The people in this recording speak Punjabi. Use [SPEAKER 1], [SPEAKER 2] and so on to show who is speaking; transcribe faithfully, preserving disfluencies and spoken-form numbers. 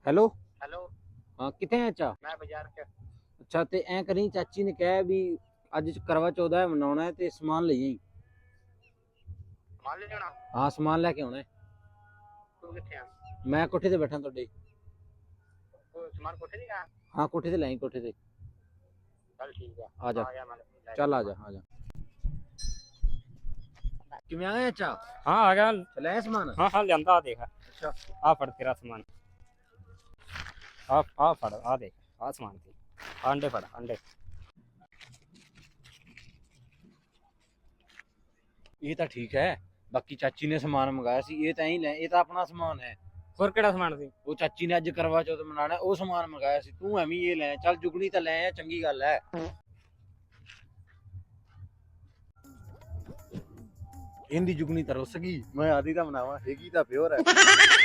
[SPEAKER 1] ਹੈਲੋ।
[SPEAKER 2] ਹੈਲੋ।
[SPEAKER 1] ਹਾਂ ਕਿੱਥੇ ਆ ਚਾ?
[SPEAKER 2] ਮੈਂ ਬਾਜ਼ਾਰ 'ਚ।
[SPEAKER 1] ਅੱਛਾ ਤੇ ਐ ਕਰੀ ਚਾਚੀ ਨੇ ਕਿਹਾ ਵੀ ਅੱਜ ਕਰਵਾ ਚੌਥ ਹੈ ਮਨਾਉਣਾ ਹੈ ਤੇ ਸਮਾਨ ਲਈ ਆਈ।
[SPEAKER 2] ਮਾਲ ਲੈ ਜਾਣਾ।
[SPEAKER 1] ਹਾਂ ਸਮਾਨ ਲੈ ਕੇ ਆਉਣਾ।
[SPEAKER 2] ਤੂੰ ਕਿੱਥੇ ਆ?
[SPEAKER 1] ਮੈਂ ਕੋਠੇ ਤੇ ਬੈਠਾ ਤੁਹਾਡੇ।
[SPEAKER 2] ਉਹ ਸਮਾਨ ਕੋਠੇ ਨਹੀਂ ਗਿਆ।
[SPEAKER 1] ਹਾਂ ਕੋਠੇ ਤੇ ਲੈ ਆਈ ਕੋਠੇ ਤੇ।
[SPEAKER 2] ਚੱਲ ਠੀਕ ਆ।
[SPEAKER 1] ਆ ਜਾ
[SPEAKER 2] ਆ ਗਿਆ ਮੈਂ ਲੈ
[SPEAKER 1] ਚੱਲ ਆ
[SPEAKER 2] ਜਾਊਂਗਾ।
[SPEAKER 1] ਜਾ ਆ ਜਾ। ਕਿਵੇਂ ਆ ਗਿਆ ਚਾ?
[SPEAKER 3] ਹਾਂ ਆ ਗਿਆ।
[SPEAKER 1] ਲੈ ਸਮਾਨ।
[SPEAKER 3] ਹਾਂ ਹਾਂ ਲਿਆਂਦਾ, ਆ ਦੇਖ।
[SPEAKER 1] ਅੱਛਾ
[SPEAKER 3] ਆ ਫੜ ਤੇਰਾ ਸਮਾਨ। ਆ ਆ ਫੜ, ਆ ਦੇਖ ਆ ਸਮਾਨ ਤੇ ਆਂਡੇ ਫੜ ਆਂਡੇ।
[SPEAKER 1] ਇਹ ਤਾਂ ਠੀਕ ਹੈ, ਬਾਕੀ ਚਾਚੀ ਨੇ ਸਮਾਨ ਮੰਗਾਇਆ ਸੀ ਇਹ ਤਾਂ ਹੀ ਲੈ, ਇਹ ਤਾਂ ਆਪਣਾ ਸਮਾਨ ਹੈ।
[SPEAKER 3] ਹੋਰ ਕਿਹੜਾ ਸਮਾਨ ਸੀ?
[SPEAKER 1] ਉਹ ਚਾਚੀ ਨੇ ਅੱਜ ਕਰਵਾ ਚੌਥ ਮਨਾਉਣਾ ਉਹ ਸਮਾਨ ਮੰਗਾਇਆ ਸੀ, ਤੂੰ ਐਵੇਂ ਇਹ ਲੈ ਚੱਲ ਜੁਗਣੀ ਤਾਂ ਲੈ ਆ, ਚੰਗੀ ਗੱਲ ਹੈ। ਇਹਦੀ ਜੁਗਣੀ ਤਾਂ ਰੁੱਸ ਗਈ, ਮੈਂ ਆਦੀ ਤਾਂ ਮਨਾਵਾਂ, ਹੈਗੀ ਤਾਂ ਪਿਓਰ ਹੈ।